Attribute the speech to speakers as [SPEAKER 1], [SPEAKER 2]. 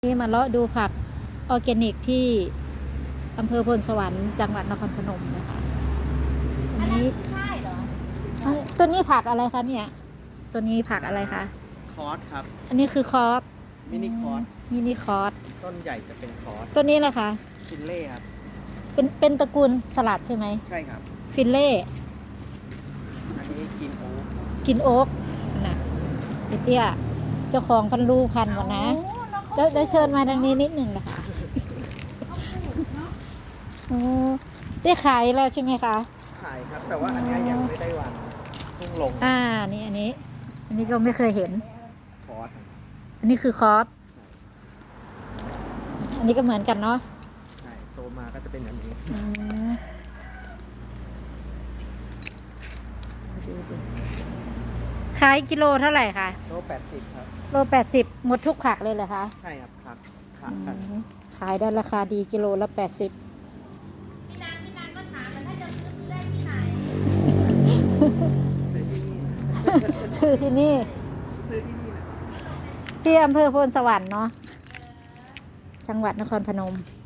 [SPEAKER 1] นี่มาเลาะดูผักออร์แกนิกที่อำเภอพลสวรรค์จังหวัดนครพนมนะคะอันนี้
[SPEAKER 2] ใช่เหรอ
[SPEAKER 1] ตัวนี้ผักอะไรคะเนี่ยตัวนี้ผักอะไรคะ
[SPEAKER 3] คอร์สครับ
[SPEAKER 1] อันนี้คือคอส
[SPEAKER 3] มินิคอร์ส
[SPEAKER 1] มินิคอส
[SPEAKER 3] ต้นใหญ่จะเป็นคอร์ส
[SPEAKER 1] ตัวนี้แหละคะ
[SPEAKER 3] ฟินเล่ครับ
[SPEAKER 1] เป็นตระกูลสลัดใช่ไหม
[SPEAKER 3] ใช่ครับ
[SPEAKER 1] ฟิลเล่
[SPEAKER 3] อันนี้กินโอ๊ก
[SPEAKER 1] กินโอ๊กนะเตี้ยเจ้าของพันลูพันหมดนะได้เชิญมาทางนี้นิดหนึ่งนะคะได้ขายแล้วใช่ไหมคะ
[SPEAKER 3] ขายครับ แต่ว่าอันนี้ยังไม่ได้วันเพิ่งลง
[SPEAKER 1] นี่อันนี้ก็ไม่เคยเห็น
[SPEAKER 3] คอร์ส
[SPEAKER 1] อันนี้คือคอร์สอันนี้ก็เหมือนกันเนาะ
[SPEAKER 3] ใช่โตมาก็จะเป็นแบบนี้
[SPEAKER 1] ขายกิโลเท่าไหร่คะ
[SPEAKER 3] โล80ครับ
[SPEAKER 1] โล80หมดทุกผักเลยเหรอคะ
[SPEAKER 3] ใช่ครับผักกัน
[SPEAKER 1] ขายได้ราคาดีกิโลละ80
[SPEAKER 2] พี่นางก็ถามมันถ้าจะซื้อได้ที่ไหน
[SPEAKER 1] ซื้อที่นี่ที่อำเภอโพนสวรรค์เนาะจังหวัดนครพนม